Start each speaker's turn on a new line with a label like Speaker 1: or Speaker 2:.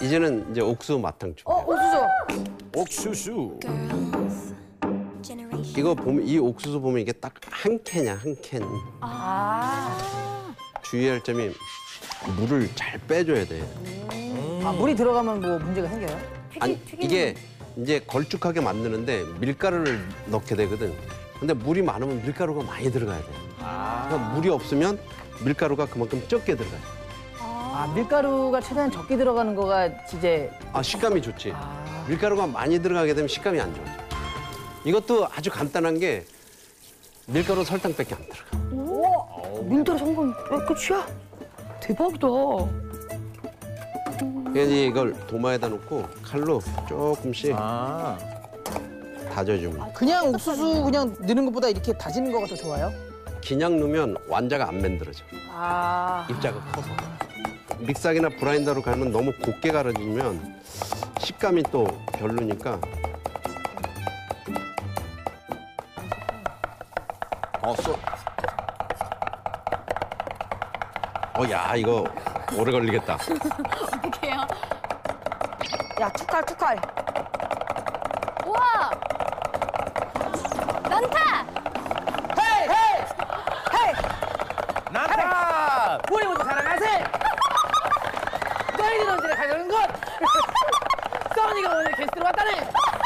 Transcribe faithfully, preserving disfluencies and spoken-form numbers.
Speaker 1: 이제는 이제 옥수수 마탕 준비.
Speaker 2: 어, 옥수수.
Speaker 3: 옥수수.
Speaker 1: 이거 보면 이 옥수수 보면 이게 딱 한 캔이야, 한 캔.
Speaker 2: 아.
Speaker 1: 주의할 점이 물을 잘 빼줘야 돼.
Speaker 2: 아, 물이 들어가면 뭐 문제가 생겨요?
Speaker 1: 아니, 이게 이제 걸쭉하게 만드는데 밀가루를 넣게 되거든. 근데 물이 많으면 밀가루가 많이 들어가야 돼. 그러니까 물이 없으면 밀가루가 그만큼 적게 들어가요.
Speaker 2: 아, 밀가루가 최대한 적게 들어가는 거가 이제
Speaker 1: 아, 식감이 좋지.
Speaker 2: 아.
Speaker 1: 밀가루가 많이 들어가게 되면 식감이 안 좋아져. 이것도 아주 간단한 게 밀가루 설탕밖에 안 들어가.
Speaker 2: 오, 밀가루 성분 끝이야? 대박이다.
Speaker 1: 그래서 이걸 도마에다 놓고 칼로 조금씩
Speaker 3: 아.
Speaker 1: 다져주면.
Speaker 2: 그냥 옥수수 그냥 넣는 것보다 이렇게 다지는 거가 더 좋아요?
Speaker 1: 그냥 넣으면 완자가 안 만들어져.
Speaker 2: 아.
Speaker 1: 입자가 커서. 믹서기나 브라인더로 갈면 너무 곱게 갈아주면 식감이 또 별로니까.
Speaker 3: 어, 쏘.
Speaker 1: 어, 야, 이거 오래 걸리겠다.
Speaker 4: 어떡해요?
Speaker 2: 야, 투칼, 투칼.
Speaker 4: 우와! 난타!
Speaker 2: 헤이, 헤이! 헤이!
Speaker 3: 난타!
Speaker 2: 우리 모두 사랑하세! 너희들 언제 가려는 것! 써니가 오늘 게스트로 왔다네!